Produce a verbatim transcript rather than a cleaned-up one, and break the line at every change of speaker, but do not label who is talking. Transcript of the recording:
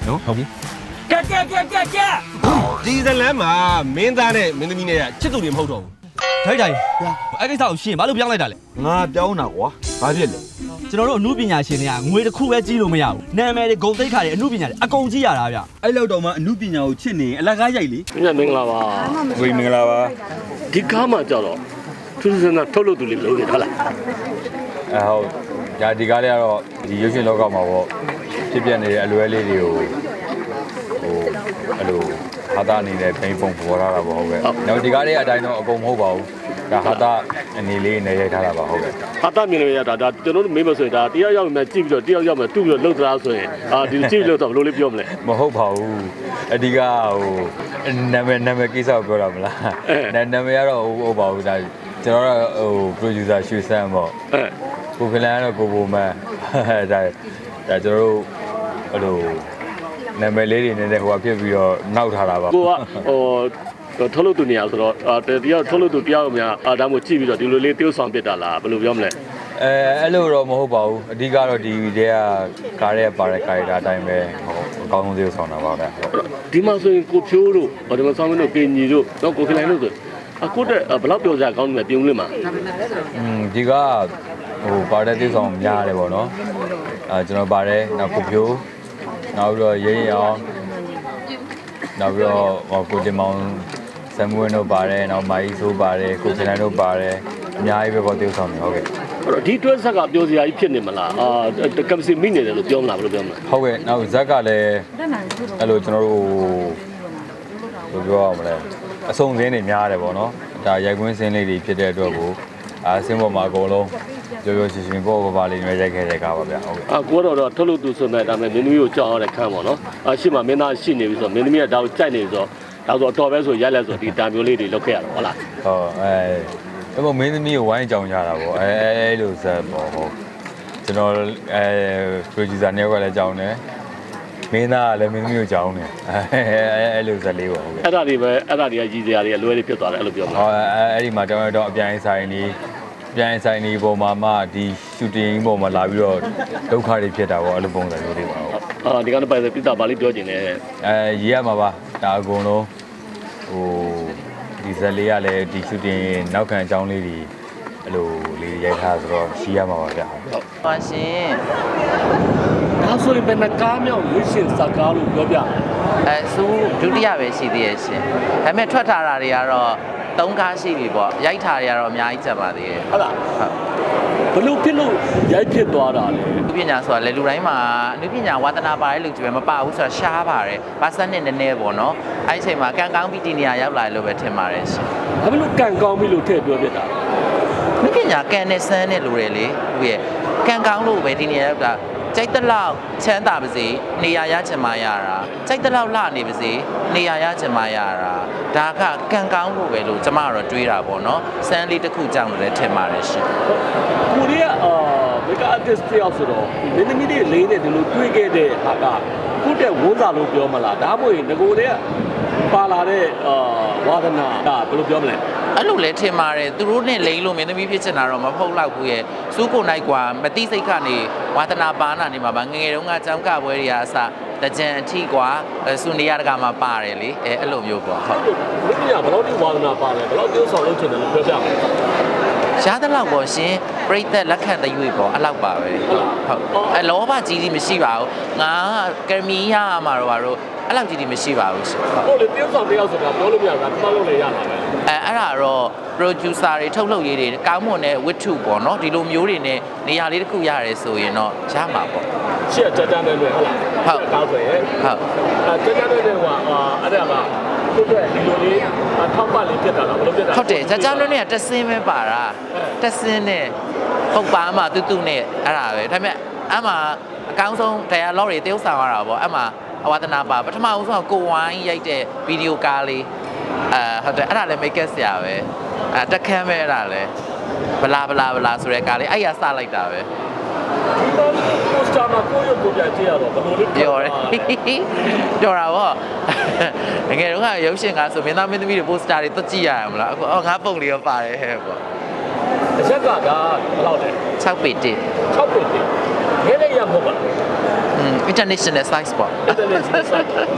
နော်ဟုတ်ပြီ
ကဲကဲကဲကဲကဲ
ဒီဇလန်မှာမင်းသားနဲ့မင်းသမီးနဲ့ချစ်သူတွေမဟုတ်တော့ဘူး
ထိုက်တိုင်အဲ့ကိစ္စကိုရှင်းဘာလို့ပြောင်းလိုက်တာလဲ
ငါပြောင်းတာကွာဘာဖြစ်လဲ
ကျွန်တော်တို့အမှုပညာရှင်တွေကငွေတစ်ခုပဲကြီးလို့မရဘူးနာမည်တွေဂုဏ်သိက္ခာတွေအမှုပညာတွေအကုန်ကြီးရတာဗျ
အဲ့လောက်တော့မှအမှုပညာကိုချစ်နေအလကားရိုက်လေ
ညမင်္ဂလာပါ
ဝေမင်္ဂလာပါ
ဒီကားမှာကြတော့သူစစနာထုတ်လို့သူလေးလုံးနေဟုတ်လား
အဲဟုတ်ဒါဒီကားလေးကတော့ဒီရုပ်ရှင်လောကမှာပေါ့ဖြစ်ပြနေတဲ့အလွဲလေးတွေကိုဟိုအဲ့လိုဟာတာအနေနဲ့ဖိပုံပေါ်လာတာပေါ့ဟုတ်ကဲ့နောက်ဒီကားလေးအတိုင်းတော့အကုန်မဟုတ်ပါဘူးဒါဟာတာအနေလေးနဲ့ရိုက်ထားတာပါဟုတ်ကဲ့
ဟာတာမြင်လို့ရတာဒါကျွန်တော်တို့မေးမဆိုရင်ဒါတရားရောက်မှကြည့်ပြီးတော့တရားရောက်မှတူပြီးတော့လှုပ်သလားဆိုရင်အာဒီကြည့်လို့တော့ဘယ်လိုလေးပြောမလဲ
မဟုတ်ပါဘူးအဓိကဟိုနာမည်နာမည်ကိစ္စကိုပြောတာမလားနာနာမည်ကတော့ဟုတ်ပါဘူးဒါကျွန်တော်တို့ဟို producer ရွှေစမ်းပေါ့
အဲ
ကိုဖလန်ကတော့ကိုဘိုမန်ဒါဒါကျွန်တော်တို့အဲ့လိုနာမည်လေးတွေနဲ့ဟိုကဖြစ်ပြီးတော့နောက်ထားတာပါ
ကိုကဟိုထုတ်လို့သူနေရဆိုတော့အာတရားထုတ်လို့သူတရားရောက်များအာဒါမှကြည့်ပြီးတော့ဒီလိုလေးတိုးဆောင်ပြစ်တာလားဘယ်လိုပြောမလဲ
အဲအဲ့လိုတော့မဟုတ်ပါဘူးအဓိကတော့ဒီတဲကကားရဲ့ပါတဲ့ကာရီတာအတိုင်းပဲဟိုအကောင်းဆုံးသေးဆောင်တာပါဗျ
ဒီမှာဆိုရင်ကိုဖြိုးတို့ဒီမှာဆောင်မင်းတို့ကင်ကြီးတို့တော့ကိုခလိုင်းတို့ဆိုအခုတည်းဘယ်လောက်ပြောကြကောင်းနေပြုံးလေးမှာ
อืมဒီကဟိုပါတဲ့သေးဆောင်များတယ်ပေါ့နော်အဲကျွန်တော်ပါတယ်နောက်ကိုဖြိုးနောက်ပြီးတော့ရင်းရအောင်နောက်ပြီးတော့ဟိုကိုတင်မောင်ဆမ်မွေးတို့ပါတယ်နောက်မာကြီးဆိုးပါတယ်ကိုဖလန်တို့ပါတယ်အများကြီးပဲပေါ့သေးဆောင်နေဟုတ်ကဲ့
အဲ့တော့ဒီတွဲဆက်ကပြောစရာကြီးဖြစ်နေမလားအာကမ်စီမိနေတယ်လို့ပြောမလားဘယ်လိုပြောမလဲ
ဟုတ်ကဲ့နောက်ဇက်ကလည်းအဲ့လိုကျွန်တော်တို့ဘယ်လိုပြောရမလဲအစုံစင်းတွေများတယ်ပေါ့နော်ဒါရိုက်ကွင်းစင်းလေးတွေဖြစ်တဲ့အတွက်ကိုအာစင်းပေါ်မှာအကုန်လုံးပြောပြောရှင်ရှင်ပေါ့ပေါ့ပါလေးတွေရိုက်ခဲ့တဲ့ကားပါဗျာဟုတ်ကဲ့
အာကိုတော့တော့ထုတ်လို့သူဆိုမဲ့ဒါမဲ့မင်းသမီးကိုကြောက်အောင်တဲ့ခန်းပေါ့နော်အာရှိမှမင်းသားရှိနေပြီဆိုတော့မင်းသမီးကဒါကိုကြိုက်နေပြီဆိုတော့ဒါဆိုတော့ပဲဆိုရက်လက်ဆိုဒီတာမျိုးလေးတွေလုပ်ခဲ့ရတော့ဟုတ်လား
ဟုတ်အဲအဲ့ပေါ်မင်းသမီးကိုဝိုင်းကြောင်ကြတာပေါ့အဲအဲလိုဇက်ပေါ့ဟုတ်ကျွန်တော်အဲ producer နဲ့ကလည်းကြောင်တယ်မင်းသားကလည်းမင်းသမီးကိုကြောင်တယ်အဲအဲလိုဇက်လေးပေါ့ဟုတ်ကဲ့
အဲ့ဒါတွေပဲအဲ့ဒါတွေကကြီးစရာတွေအလွဲတွေဖြစ်သွားတယ်အဲ့လိုပြောမလား
ဟောအဲအဲ့ဒီမှာတောင်းရတော့အပြိုင်ဆိုင်နေအပြိုင်ဆိုင်နေပုံမှာမှဒီရှူတင်ပုံမှာလာပြီးတော့ဒုက္ခတွေဖြစ်တာပေါ့အဲ့လိုပုံစံမျိုးတွေပါဟုတ်
အာဒီကတော့ပိုင်ပြတာဗာလေးပြောချင်တယ်
အဲရေးရမှာပါဒါအကုန်လုံးဟိုဒီဇက်လေးကလည်းဒီရှူတင်နောက်ခံအကြောင်းလေးတွေအဲ့လိုလေးရိုက်ထားဆိုတော့ရှိရမှာပါဗျာဟုတ်
ပါရှင်
ဒါဆိုရင်ဘယ်နှကားမြောက်ရွေးရှင်စကားလို့ပြောပြ
အဲစူးဒုတိယပဲရှိသေးရဲ့ရှင်ဒါပေမဲ့ထွက်ထားတာတွေကတော့သုံးကားရှိပြီပေါ့ရိုက်ထားတွေကတော့အများကြီးကျန်ပါသေးတယ်
ဟုတ်လား
ဟုတ်
ဘလို့ဖြစ်လို့ရိုက်ဖြစ်သွားတာလဲ
အနုပညာဆိုတာလေလူတိုင်းမှာအနုပညာဝါသနာပါတဲ့လူကြီးပဲမပါဘူးဆိုတာရှားပါတယ်ပါစက်နဲ့နည်းနည်းပေါ့နော်အဲ့ဒီအချိန်မှာကံကောင်းပြီးဒီနေရာရောက်လာလို့ပဲထင်ပါတယ်ရှင်
ဘာဖြစ်လို့ကံကောင်းပြီလို့ထည့်ပြောပြတာ
အနုပညာကံနဲ့စမ်းနဲ့လူတွေလေသူရဲ့ကံကောင်းလို့ပဲဒီနေရာရောက်တာကြိုက်တဲ့လောက်ချမ်းသာပါစေနေရာရချင်မှရတာကြိုက်တဲ့လောက်လှနေပါစေနေရာရချင်မှရတာဒါကကံကောင်းလို့ပဲလို့ကျမကတော့တွေးတာပေါ့နော်စမ်းလေးတစ်ခုကြောင့်လည်းထင်ပါတယ်ရှင်
ကိုရီးယားအာမေကာအာတစ်တယောက်ဆိုတော့မင်းသမီးတွေလေးနဲ့ဒီလိုတွေးခဲ့တဲ့ဟာကခုတဲ့ဝန်းစာလို့ပြောမလားဒါမှမဟုတ်ငကိုတဲ့ပါလာတဲ့အာဝါဒနာကဘယ်လိုပြောမလဲ
အဲ့လိုလဲထင်ပါတယ်သူတို့နဲ့လိန်လို့မင်းသမီးဖြစ်ချင်တာတော့မဟုတ်တော့ဘူးရဲ့စူးကိုနိုင်ကွာမတိစိတ်ကနေဝါသနာပါနာနေမှာပါငငယ်တုန်းကចောင်းကပွဲတွေကအစတကြံအထီကွာစူနေရတကမှာပါတယ်လေအဲအဲ့လိုမျိုးပေါ့ဟုတ်
မင်းသမီးကဘယ်လောက်ထိဝါဒနာပါလဲဘယ်လောက်တိုးဆောင်လုပ်ချင်တယ်လို့ပြောပြမယ်
ရှားတဲ့လောက်ပေါ့ရှင်ပြိသက်လက်ခံတရွေ့ပေါ့အဲ့လောက်ပါပဲဟုတ်အဲလောဘကြီးကြီးမရှိပါဘူးငါကရမီရမှာတော့ဘာလို့အဲ့လောက်ကြီးကြီးမရှိပါဘူးရှင်ဟုတ်
ဟုတ်လေတိုးဆောင်တယောက်ဆိုတာပြောလို့မရဘူးဒါမှမဟုတ်လည်းရတာပဲ
အဲအဲ့ဒါတော့ producer တွေထုတ်လုပ်ရေးတွေကောင်းမွန်တဲ့ဝတ္ထုပေါ့နော်ဒီလိုမျိုးတွေနဲ့နေရာလေးတစ်ခုရတယ်ဆိုရင်တော့ရမှာပေါ့
ရှေ့ကြကြတဲ့တွေဟုတ်လားကောင်းဆိုရင်
ဟုတ်
အဲကြကြတဲ့တွေကအာအဲ့ဒါကသူ့ရဲ့ဒီလိုလေးထောက်ပံ့လေးဖြစ်တာလားဘယ်လိုဖြစ်တာ
ဟုတ်တယ်ကြကြလွန်းနဲ့တက်စင်းပဲပါတာတက်စင်းနဲ့ဟုတ်ပါမှတူတူနဲ့အဲ့ဒါပဲဒါပေမဲ့အမှအကောင်းဆုံး dialogue တွေတယောက်ဆောင်ရတာပေါ့အမှအဝါဒနာပါပထမဦးဆုံးကိုဝိုင်းရိုက်တဲ့ဗီဒီယိုကားလေးအဲဟုတ်တယ်အဲ့ဒါလည်း make up ဆရာပဲအဲတက်ခမ်းပဲအဲ့ဒါလည်းဘလာဘလာဘလာဆိုတဲ့ကားလေးအဲ့ရစလိုက်တာပဲ
ပိုစတာမှာကိုရုပ်ကိုပြကြည့်ရတော့ဘယ်လိုလေး
ပြောတယ်ပြောတာပေါ့ငယ်တော့ကရုပ်ရှင်ကားဆိုမင်းသားမင်းသမီးတွေ poster တွေတွက်ကြည့်ရရမလားအခုအော်ငါပုံလေးရောပါတယ်ဟဲ့ပေါ့
အချက်ကကဘယ်လောက်လဲ
၆ပေတစ်
၆ပေတည်းခဲလေးရမဟုတ်ပါဘူး
อืม international size ပေါ့
international site